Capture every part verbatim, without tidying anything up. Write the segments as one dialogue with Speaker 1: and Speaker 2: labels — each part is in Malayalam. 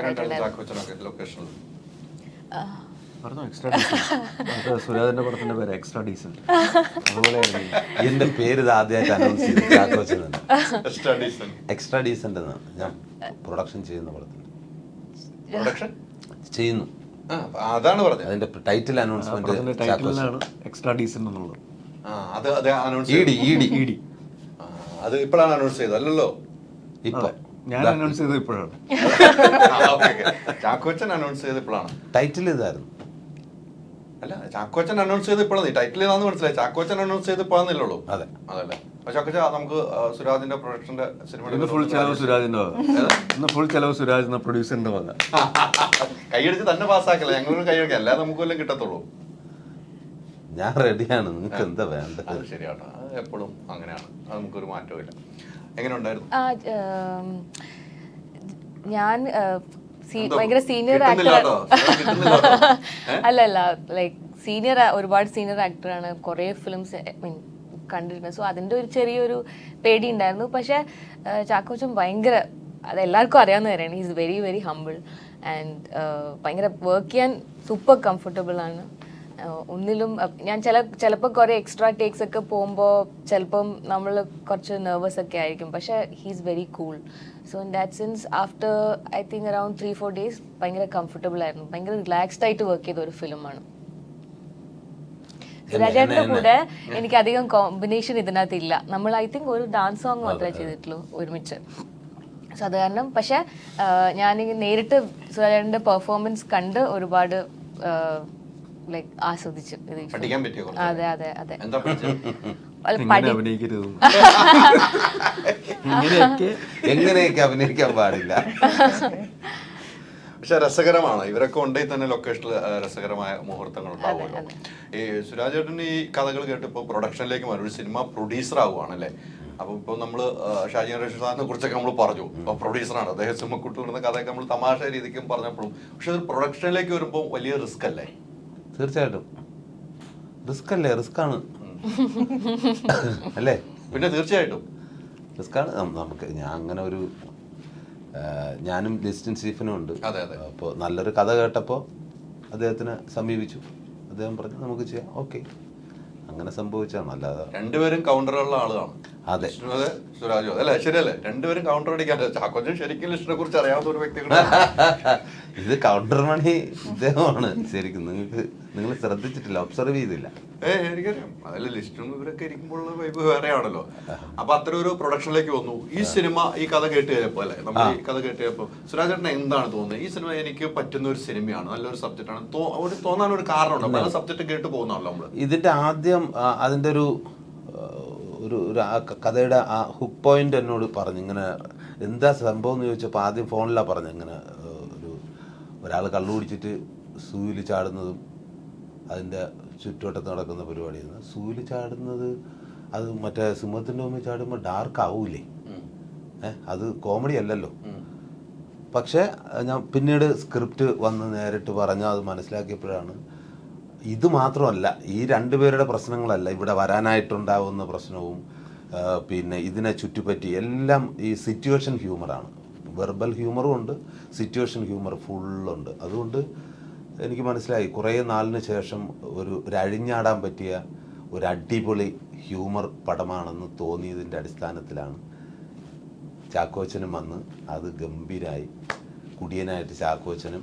Speaker 1: ലൊക്കേഷനിൽ
Speaker 2: സുരാജിന്റെ പടത്തിന്റെ പേര് എക്സ്ട്രാ ഡീസന്റ്. അതുപോലെ
Speaker 3: എന്റെ പേര് ഇത് ആദ്യമായിട്ട് അനൗൺസ് ചെയ്ത് ചാക്കോച്ചനാണ്. എക്സ്ട്രാ ഡീസന്റ് എന്നാണ് ഞാൻ പ്രൊഡക്ഷൻ ചെയ്യുന്ന പടത്തിൽ
Speaker 1: പ്രൊഡക്ഷൻ
Speaker 3: ചെയ്യുന്നു.
Speaker 1: അതാണ് പറഞ്ഞത്.
Speaker 3: അതിന്റെ ടൈറ്റിൽ അനൗൺസ്മെന്റ്
Speaker 2: ടൈറ്റിലാണ് എക്സ്ട്രാ ഡീസന്റ് എന്നുള്ളത്.
Speaker 1: അത് അത് announce
Speaker 3: E D E D E D
Speaker 1: അത് ഇപ്പോഴാണ് അനൗൺസ് ചെയ്തത് അല്ലല്ലോ.
Speaker 3: ഇപ്പൊ
Speaker 2: ഞാൻ അനൗൺസ് ചെയ്തത് ഇപ്പോഴാണ്.
Speaker 1: ചാക്കോച്ചൻ അനൗൺസ് ചെയ്ത് ഇപ്പോഴാണ്.
Speaker 3: ടൈറ്റിൽ ഇതായിരുന്നു.
Speaker 1: അല്ല ചാക്കോച്ചൻ അനൗൺസ് ചെയ്ത് ഇപ്പോഴാണ്. ടൈറ്റിൽ ഏതാന്ന് മനസ്സിലായി. ചാക്കോച്ചൻ അനൗൺസ് ചെയ്ത് ഇപ്പോഴാന്നില്ലല്ലോ.
Speaker 3: അതെ
Speaker 1: അതല്ലേ. ചാക്കോച്ച നമുക്ക് സുരാജിന്റെ പ്രൊഡക്ഷന്റെ
Speaker 2: സിനിമ ഫുൾ ചെലവ് സുരാജിന്റെ വക. ഇന്ന് ഫുൾ ചെലവ് സുരാജ് എന്ന പ്രൊഡ്യൂസറിന്റെ വക.
Speaker 1: കൈയടിച്ച് തന്നെ പാസ്സാക്കല്ലേ. ഞങ്ങളൊരു കൈയടിക്കാം. അല്ലാതെ നമുക്ക് വല്ലതും കിട്ടത്തുള്ളൂ.
Speaker 3: ഞാൻ റെഡിയാണ്. നിങ്ങൾക്ക് എന്താ വേണ്ടത്?
Speaker 1: അത് ശരിയാട്ടോ. അത് എപ്പോഴും അങ്ങനെയാണ്. അത് നമുക്കൊരു മാറ്റവും ഇല്ല. എങ്ങനെ ഉണ്ടായിരുന്നു?
Speaker 4: ഞാൻ ഭയങ്കര സീനിയർ ആക്ടർ അല്ല അല്ല ലൈക്ക് സീനിയർ ഒരുപാട് സീനിയർ ആക്ടറാണ്. കുറേ ഫിലിംസ് മീൻ കണ്ടിരുന്നത്. സോ അതിൻ്റെ ഒരു ചെറിയൊരു പേടി ഉണ്ടായിരുന്നു. പക്ഷേ ചാക്കോച്ചൻ ഭയങ്കര അത് എല്ലാവർക്കും അറിയാവുന്ന കാര്യമാണ്. Is very very humble and ഭയങ്കര വർക്ക് ചെയ്യാൻ സൂപ്പർ കംഫർട്ടബിൾ ആണ്. ഒന്നിലും ഞാൻ ചില ചിലപ്പോൾ കുറേ എക്സ്ട്രാ ടേക്സ് ഒക്കെ പോകുമ്പോൾ ചിലപ്പം നമ്മൾ കുറച്ച് നെർവസ് ഒക്കെ ആയിരിക്കും. പക്ഷേ he's very cool. So in that sense after I think around three four days ഭയങ്കര കംഫർട്ടബിൾ ആയിരുന്നു. ഭയങ്കര റിലാക്സ്ഡ് ആയിട്ട് വർക്ക് ചെയ്ത ഒരു ഫിലിമാണ്. സുരാജേട്ടൻ്റെ കൂടെ എനിക്ക് അധികം കോമ്പിനേഷൻ ഇതിനകത്ത് ഇല്ല. നമ്മൾ ഐ തിങ്ക് ഒരു ഡാൻസ് സോങ് മാത്രമേ ചെയ്തിട്ടുള്ളൂ ഒരുമിച്ച്. സോ അത് കാരണം പക്ഷേ ഞാൻ നേരിട്ട് സുരാജേട്ടൻ്റെ പെർഫോമൻസ് കണ്ട് ഒരുപാട് ലൈക്ക് ആസ്വദിച്ചു. അതെ അതെ അതെ
Speaker 3: എങ്ങനെയൊക്കെ അഭിനയിക്കാൻ പാടില്ല.
Speaker 1: പക്ഷെ രസകരമാണ്. ഇവരൊക്കെ ഉണ്ടെങ്കിൽ തന്നെ ലൊക്കേഷനിൽ രസകരമായ മുഹൂർത്തങ്ങൾ ഉണ്ടാവുമല്ലോ. ഈ സുരാജേട്ടൻ ഈ കഥകൾ കേട്ടിപ്പോ പ്രൊഡക്ഷനിലേക്ക് മാറി ഒരു സിനിമ പ്രൊഡ്യൂസർ ആവുകയാണല്ലേ. അപ്പൊ ഇപ്പൊ നമ്മള് ഷാജി റഷീദ് സാറിനെ കുറിച്ചൊക്കെ നമ്മൾ പറഞ്ഞു. അപ്പൊ പ്രൊഡ്യൂസറാണ് അദ്ദേഹം. സിനിമക്കുട്ടി വരുന്ന കഥയൊക്കെ നമ്മൾ തമാശ രീതിക്കും പറഞ്ഞപ്പോഴും പക്ഷെ ഒരു പ്രൊഡക്ഷനിലേക്ക് വരുമ്പോൾ വലിയ റിസ്ക് അല്ലേ?
Speaker 3: തീർച്ചയായിട്ടും റിസ്ക് അല്ലേ? റിസ്ക് ആണ് അല്ലേ?
Speaker 1: പിന്നെ തീർച്ചയായിട്ടും
Speaker 3: റിസ്ക് ആണ്. നമുക്ക് ഞാൻ അങ്ങനെ ഒരു ഞാനും ലിസ്റ്റിൻ സ്റ്റീഫനും ഉണ്ട്. അപ്പോൾ നല്ലൊരു കഥ കേട്ടപ്പോൾ അദ്ദേഹത്തിനെ സമീപിച്ചു. അദ്ദേഹം പറഞ്ഞു നമുക്ക് ചെയ്യാം. ഓക്കെ, അങ്ങനെ സംഭവിച്ചാണ്. അല്ലാതെ
Speaker 1: രണ്ടുപേരും കൗണ്ടറുള്ള ആളാണ്.
Speaker 3: അതെ
Speaker 1: സുരാജോ അല്ലേ? ശരിയല്ലേ? രണ്ടുപേരും കൗണ്ടർ അടിക്കാൻ. ചാക്കോച്ചൻ ശരിക്കും ലിസ്റ്റിനെ കുറിച്ച് അറിയാവുന്ന ഒരു വ്യക്തി.
Speaker 3: ഇത് കൗണ്ടർ മണി ഇദ്ദേഹമാണ് ശരിക്കും. നിങ്ങൾക്ക് നിങ്ങൾ ശ്രദ്ധിച്ചിട്ടില്ല, ഒബ്സർവ് ചെയ്തില്ല.
Speaker 1: ഏഹ് എനിക്കറിയാം. അതല്ല ലിസ്റ്റും ഇവരൊക്കെ ഇരിക്കുമ്പോഴുള്ള വൈബ് വേറെയാണല്ലോ. അപ്പൊ അത്തരം ഒരു പ്രൊഡക്ഷനിലേക്ക് വന്നു. ഈ സിനിമ ഈ കഥ കേട്ട് കഴിഞ്ഞപ്പോ അല്ലെ നമ്മൾ ഈ കഥ കേട്ട് കഴിഞ്ഞപ്പോ സുരാജേട്ടന് എന്താണ് തോന്നുന്നത്? ഈ സിനിമ എനിക്ക് പറ്റുന്ന ഒരു സിനിമയാണ്, നല്ലൊരു സബ്ജക്റ്റ് ആണ് ഒരു തോന്നാൻ ഒരു കാരണമുണ്ടോ? പല സബ്ജക്റ്റ് കേട്ട് പോകുന്നതാണല്ലോ നമ്മള്.
Speaker 3: ഇതിന്റെ ആദ്യം അതിന്റെ ഒരു ഒരു കഥയുടെ ആ ഹുക്ക് പോയിന്റ് എന്നോട് പറഞ്ഞു. ഇങ്ങനെ എന്താ സംഭവം എന്ന് ചോദിച്ചപ്പോൾ ആദ്യം ഫോണിലാണ് പറഞ്ഞു. ഇങ്ങനെ ഒരു ഒരാൾ കള്ളു കുടിച്ചിട്ട് സൂയിൽ ചാടുന്നതും അതിൻ്റെ ചുറ്റുവട്ടത്ത് നടക്കുന്ന പരിപാടിയാണ്. സൂയിൽ ചാടുന്നത് അത് മറ്റേ സിംഹത്തിൻ്റെ മുമ്പിൽ ചാടുമ്പോൾ ഡാർക്ക് ആവൂലേ? ഏഹ് അത് കോമഡി അല്ലല്ലോ. പക്ഷേ ഞാൻ പിന്നീട് സ്ക്രിപ്റ്റ് വന്ന് നേരിട്ട് പറഞ്ഞാൽ അത് മനസ്സിലാക്കിയപ്പോഴാണ് ഇത് മാത്രമല്ല, ഈ രണ്ടുപേരുടെ പ്രശ്നങ്ങളല്ല ഇവിടെ വരാനായിട്ടുണ്ടാവുന്ന പ്രശ്നവും പിന്നെ ഇതിനെ ചുറ്റിപ്പറ്റി എല്ലാം ഈ സിറ്റുവേഷൻ ഹ്യൂമറാണ്. വെർബൽ ഹ്യൂമറും ഉണ്ട്, സിറ്റുവേഷൻ ഹ്യൂമർ ഫുള്ളുണ്ട്. അതുകൊണ്ട് എനിക്ക് മനസ്സിലായി കുറേ നാളിന് ശേഷം ഒരു ഒരു അഴിഞ്ഞാടാൻ പറ്റിയ ഒരു അടിപൊളി ഹ്യൂമർ പടമാണെന്ന് തോന്നിയതിൻ്റെ അടിസ്ഥാനത്തിലാണ് ചാക്കോച്ചനും വന്ന് അത് ഗംഭീരമായി. കുടിയനായിട്ട് ചാക്കോച്ചനും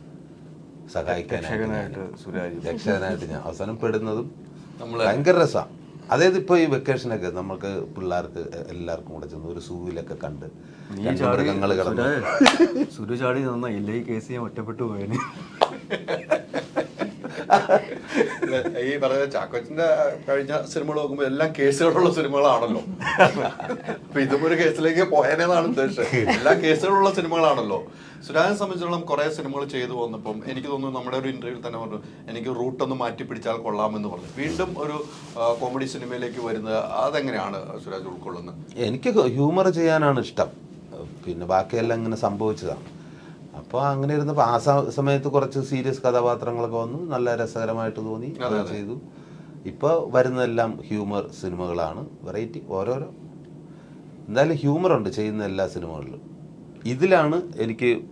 Speaker 3: സഹായിക്കാനായിട്ട് രക്ഷകനായിട്ട് ഞാൻ അവസാനം പെടുന്നതും ഭയങ്കര രസമാണ്. അതായത് ഇപ്പോൾ ഈ വെക്കേഷനൊക്കെ നമുക്ക് പിള്ളേർക്ക് എല്ലാവർക്കും കൂടെ ചെന്ന് ഒരു സൂവിലൊക്കെ കണ്ട് മൃഗങ്ങൾ കിടന്നു
Speaker 2: സുരചാടി നന്നായില്ല. ഈ കേസ് ഞാൻ ഒറ്റപ്പെട്ടു പോയതിന്.
Speaker 1: ഈ പറഞ്ഞ ചാക്കോച്ചന്റെ കഴിഞ്ഞ സിനിമകൾ നോക്കുമ്പോൾ എല്ലാം കേസുകളുള്ള സിനിമകളാണല്ലോ. അപ്പൊ ഇതും ഒരു കേസിലേക്ക് പോയനെന്നാണ് ഉദ്ദേശിച്ചത്. എല്ലാ കേസുകളുള്ള സിനിമകളാണല്ലോ. സുരാജിനെ സംബന്ധിച്ചിടത്തോളം കുറെ സിനിമകൾ ചെയ്തു പോകുന്നപ്പം എനിക്ക് തോന്നുന്നു നമ്മുടെ ഒരു ഇന്റർവ്യൂവിൽ തന്നെ പറഞ്ഞു എനിക്ക് റൂട്ടൊന്ന് മാറ്റി പിടിച്ചാൽ കൊള്ളാമെന്ന് പറഞ്ഞു. വീണ്ടും ഒരു കോമഡി സിനിമയിലേക്ക് വരുന്നത് അതെങ്ങനെയാണ് സുരാജ് ഉൾക്കൊള്ളുന്നത്?
Speaker 3: എനിക്ക് ഹ്യൂമർ ചെയ്യാനാണ് ഇഷ്ടം. പിന്നെ ബാക്കിയെല്ലാം ഇങ്ങനെ സംഭവിച്ചതാണ്. അപ്പോൾ അങ്ങനെ ഇരുന്നപ്പോൾ ആ സമയത്ത് കുറച്ച് സീരിയസ് കഥാപാത്രങ്ങളൊക്കെ വന്നു, നല്ല രസകരമായിട്ട് തോന്നി, ചെയ്തു. ഇപ്പോൾ വരുന്നതെല്ലാം ഹ്യൂമർ സിനിമകളാണ്. വെറൈറ്റി ഓരോരോ എന്തായാലും ഹ്യൂമറുണ്ട് ചെയ്യുന്ന എല്ലാ സിനിമകളിലും. ഇതിലാണ് എനിക്ക്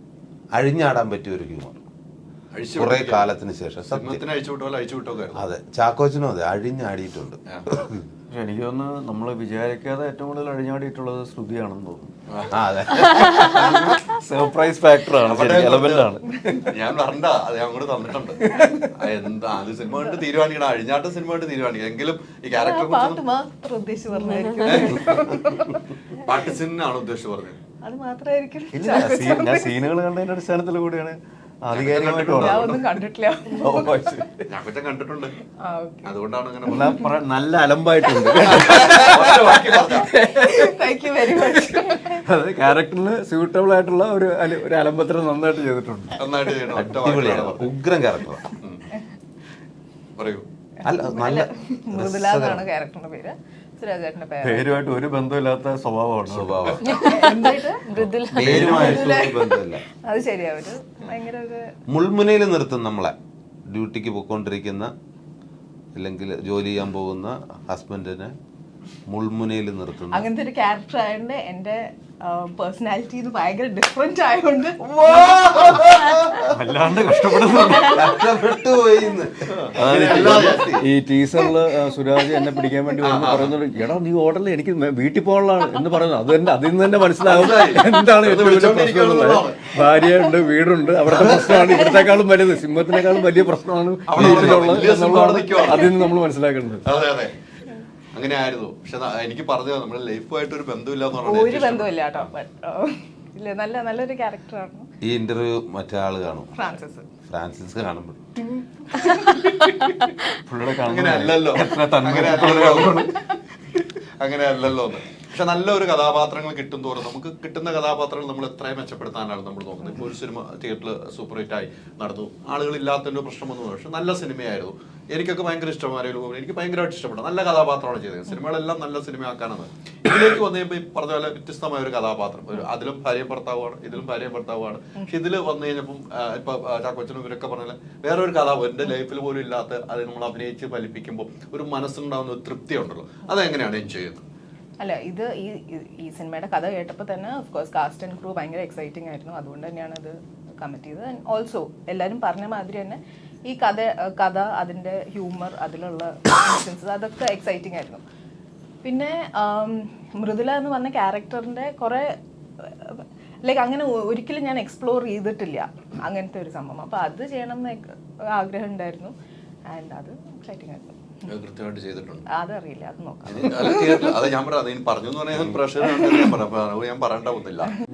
Speaker 3: അഴിഞ്ഞാടാൻ പറ്റിയ ഒരു ഹ്യൂമർ
Speaker 1: അഴിച്ചു
Speaker 3: കുറെ
Speaker 1: വിട്ടൊക്കെ.
Speaker 3: കാലത്തിന് ശേഷം സത്യം.
Speaker 1: സിനിമത്തിന് അഴിച്ചു വിട്ടോ അഴിച്ചു വിട്ടൊക്കെ ആയിരുന്നു.
Speaker 3: അതെ, ചാക്കോച്ചനും അതെ അഴിഞ്ഞാടിയിട്ടുണ്ട്.
Speaker 2: പക്ഷെ എനിക്ക് തോന്നുന്നു നമ്മൾ വിചാരിക്കാതെ ഏറ്റവും കൂടുതൽ അഴിഞ്ഞാടിയിട്ടുള്ളത് ശ്രുതിയാണെന്ന് തോന്നുന്നു.
Speaker 3: ആ അതെ,
Speaker 2: സർപ്രൈസ് ഫാക്ടറാണ്,
Speaker 1: അവിടെ
Speaker 2: എലമെന്റ് ആണ്.
Speaker 1: ഞാൻ പറഞ്ഞ അത് ഞാൻ അങ്ങോട്ട് തന്നിട്ടുണ്ട്. ആ, എന്താ അത് സിനിമ കണ്ട് തീരുമാനിക്കണം, അഴിഞ്ഞാട്ട സിനിമ കണ്ട് തീരുമാനിക്കണം. എങ്കിലും ഈ ക്യാരക്ടറെ
Speaker 5: പാട്ട്
Speaker 1: കുറിച്ച്
Speaker 5: മാത്രം ഉദ്ദേശിച്ച് പറഞ്ഞായിരിക്കും.
Speaker 1: പാട്ട് സിനിമയാണ് ഉദ്ദേശിച്ച് പറഞ്ഞത്.
Speaker 5: അത് മാത്രമായിരിക്കും.
Speaker 2: ഇല്ല, സീ- ഞാൻ സീനുകൾ കണ്ടതിന്റെ അടിസ്ഥാനത്തിൽ കൂടിയാണ് ആധികാരികമായിട്ട്
Speaker 5: ഞാൻ
Speaker 2: പറഞ്ഞത്.
Speaker 5: ഒന്നും കണ്ടിട്ടില്ല.
Speaker 2: ഓ, ശരി.
Speaker 1: ഞാൻ കൊച്ചൻ കണ്ടിട്ടുണ്ട്,
Speaker 5: ആ, okay.
Speaker 1: അതുകൊണ്ടാണ് അങ്ങനെ
Speaker 2: എന്നാ പറ- നല്ല അലമ്പായിട്ടുണ്ട്.
Speaker 1: ഒറ്റ വാക്കിൽ പറഞ്ഞതാ.
Speaker 5: Thank you very much.
Speaker 2: അത് ക്യാരക്ടറിന് സ്യൂട്ടബിൾ ആയിട്ടുള്ള ഒരു അല- ഒരു അലമ്പത്തിന് നന്നായിട്ട് ചെയ്തിട്ടുണ്ട്.
Speaker 1: നന്നായിട്ട് ചെയ്യണം. ഒറ്റ
Speaker 3: അടിപൊളിയാണ്,
Speaker 1: വാക്കിലാണ് പറഞ്ഞത്.
Speaker 3: ഉഗ്രം ക്യാരക്ടറാണ്.
Speaker 1: പറയൂ.
Speaker 3: അല്ല നല്ല
Speaker 5: മൃദുല എന്നാണ് ക്യാരക്ടറിന്റെ പേര്. സുരാജേട്ടന്റെ പേര്
Speaker 2: പേരുമായിട്ട് ഒരു ബന്ധമില്ലാത്ത സ്വഭാവമാണ്.
Speaker 3: സ്വഭാവം
Speaker 5: എന്തായിട്ട്?
Speaker 4: മൃദുല
Speaker 3: പേരുമായിട്ടുള്ള ഒരു ബന്ധമില്ല.
Speaker 5: അത് ശരിയാ, ഒരു ഭയങ്കര ഒരു
Speaker 3: മുൾമുനയിൽ നിർത്തും നമ്മളെ. ഡ്യൂട്ടിക്ക് പോയിക്കൊണ്ടിരിക്കുന്ന അല്ലെങ്കിൽ ജോലി ചെയ്യാൻ പോകുന്ന ഹസ്ബൻഡിനെ മുൾമുനയിൽ നിർത്തുന്നു.
Speaker 5: അങ്ങനത്തെ ഒരു ക്യാരക്ടർ ആയതുകൊണ്ട് എന്റെ പേഴ്സണാലിറ്റി ഭയങ്കര ഡിഫറെന്റ് ആയതുകൊണ്ട്
Speaker 2: വല്ലാണ്ട് കഷ്ടപ്പെടുന്നുണ്ട്.
Speaker 3: കഷ്ടപ്പെട്ടു പോയി ഇന്ന്.
Speaker 2: ഈ ടീസറില് സുരാജ് എന്നെ പിടിക്കാൻ വേണ്ടി വന്ന് പറയുന്നത്, എടാ നീ ഓർഡറിൽ എനിക്ക് മേ- വീട്ടിൽ പോകാനുള്ളതാണ് എന്ന് പറയുന്നത്. അത് തന്നെ അതിൽ നിന്ന് തന്നെ മനസ്സിലാവും എന്താണ് ഏറ്റവും വലിയ പ്രശ്നം എന്നുള്ളത്. ഭാര്യയുണ്ട്, വീടുണ്ട്, അവിടുത്തെ പ്രശ്നമാണ് ഇവിടത്തെക്കാളും വലുത്, സിംഹത്തിനേക്കാളും വലിയ പ്രശ്നമാണ്
Speaker 1: അവിടെ
Speaker 2: വീട്ടിലുള്ളത്
Speaker 1: വലിയ സിംഹം അവിടെ
Speaker 2: എന്നുള്ളതാണ്
Speaker 1: നിൽക്കുവാണ്.
Speaker 2: അതിൽ നിന്ന് നമ്മൾ മനസ്സിലാക്കേണ്ടത്.
Speaker 1: അതെ അതെ അങ്ങനെ ആയിരുന്നു. പക്ഷെ ന- എനിക്ക് പറഞ്ഞു നമ്മുടെ ലൈഫുമായിട്ട് ഒരു ബന്ധമില്ല എന്ന്
Speaker 5: ഒരു
Speaker 1: പറഞ്ഞത്
Speaker 5: ബന്ധമില്ല കേട്ടോ. But, uh, ഇല്ല, നല്ല നല്ലൊരു ക്യാരക്ടറാണ്
Speaker 3: ഈ ഇന്റർവ്യൂ മറ്റേ ആള് കാണും,
Speaker 5: ഫ്രാൻസിസ്.
Speaker 3: ഫ്രാൻസിസ് കാണുമ്പോൾ
Speaker 2: പുള്ളിയുടെ
Speaker 1: അങ്ങനെ അല്ലല്ലോ
Speaker 2: എത്ര തന്മ
Speaker 1: അങ്ങനെ അല്ലല്ലോ അങ്ങനെ അല്ലല്ലോ എന്ന്. പക്ഷെ നല്ലൊരു കഥാപാത്രങ്ങൾ കിട്ടും തോറും നമുക്ക് കിട്ടുന്ന കഥാപാത്രങ്ങൾ നമ്മൾ എത്രയും മെച്ചപ്പെടുത്താനാണ് നമ്മൾ നോക്കുന്നത്. ഇപ്പോൾ ഒരു സിനിമ തിയേറ്ററിൽ സൂപ്പർ ഹിറ്റായി നടന്നു, ആളുകളില്ലാത്തതിൻ്റെ പ്രശ്നമൊന്നും, പക്ഷെ നല്ല സിനിമയായിരുന്നു. എനിക്കൊക്കെ ഭയങ്കര ഇഷ്ടമായിരുന്നു, എനിക്ക് ഭയങ്കരമായിട്ട് ഇഷ്ടപ്പെട്ടു. നല്ല കഥാപാത്രമാണ് ചെയ്തത്. സിനിമകളെല്ലാം നല്ല സിനിമയാക്കാനാണ്. ഇതിലേക്ക് വന്നു കഴിയുമ്പോൾ ഈ പറഞ്ഞ പോലെ വ്യത്യസ്തമായ ഒരു കഥാപാത്രം, ഒരു അതിലും ഭാര്യയും ഭർത്താവുമാണ്, ഇതിലും ഭാര്യയും ഭർത്താവുമാണ്. പക്ഷെ ഇതിൽ വന്നു കഴിഞ്ഞപ്പം ഇപ്പൊ ചാക്കോച്ചനും ഇവരൊക്കെ പറഞ്ഞാൽ വേറെ ഒരു കഥാപാത്രം എൻ്റെ ലൈഫിൽ പോലും ഇല്ലാത്ത അത് നമ്മൾ അഭിനയിച്ച് ഫലിപ്പിക്കുമ്പോൾ ഒരു മനസ്സിലുണ്ടാകുന്ന ഒരു തൃപ്തി ഉണ്ടല്ലോ. അതെങ്ങനെയാണ് എൻജോയ് ചെയ്യുന്നത്?
Speaker 5: അല്ല, ഇത് ഈ ഈ- ഈ സിനിമയുടെ കഥ കേട്ടപ്പോൾ തന്നെ of course cast and crew ഭയങ്കര എക്സൈറ്റിംഗ് ആയിരുന്നു. അതുകൊണ്ട് തന്നെയാണ് ഇത് കമ്മിറ്റ് ചെയ്തത്. ആൻഡ് ഓൾസോ എല്ലാവരും പറഞ്ഞ മാതിരി തന്നെ ഈ കഥ കഥ അതിൻ്റെ ഹ്യൂമർ, അതിലുള്ള ഇൻസിഡൻസ് അതൊക്കെ എക്സൈറ്റിംഗ് ആയിരുന്നു. പിന്നെ ആം, മൃദുല എന്ന് പറഞ്ഞ ക്യാരക്ടറിൻ്റെ കുറേ ലൈക്ക് അങ്ങനെ ഒ- ഒരിക്കലും ഞാൻ എക്സ്പ്ലോർ ചെയ്തിട്ടില്ല അങ്ങനത്തെ ഒരു സംഭവം. അപ്പോൾ അത് ചെയ്യണം എന്ന് ആഗ്രഹം ഉണ്ടായിരുന്നു. ആൻഡ് അത് എക്സൈറ്റിംഗ് ആയിരുന്നു.
Speaker 1: അത് കൃത്യമായിട്ട് ചെയ്തിട്ടുണ്ട്.
Speaker 5: അതറിയില്ല, അത് നോക്കാം.
Speaker 1: അത് തിയേറ്ററിൽ അത് ഞാൻ പറയാം, അത് പറഞ്ഞു എന്ന് പറഞ്ഞാൽ പ്രഷർ ഞാൻ പറയാം, ഞാൻ പറയേണ്ട ഒന്നില്ല.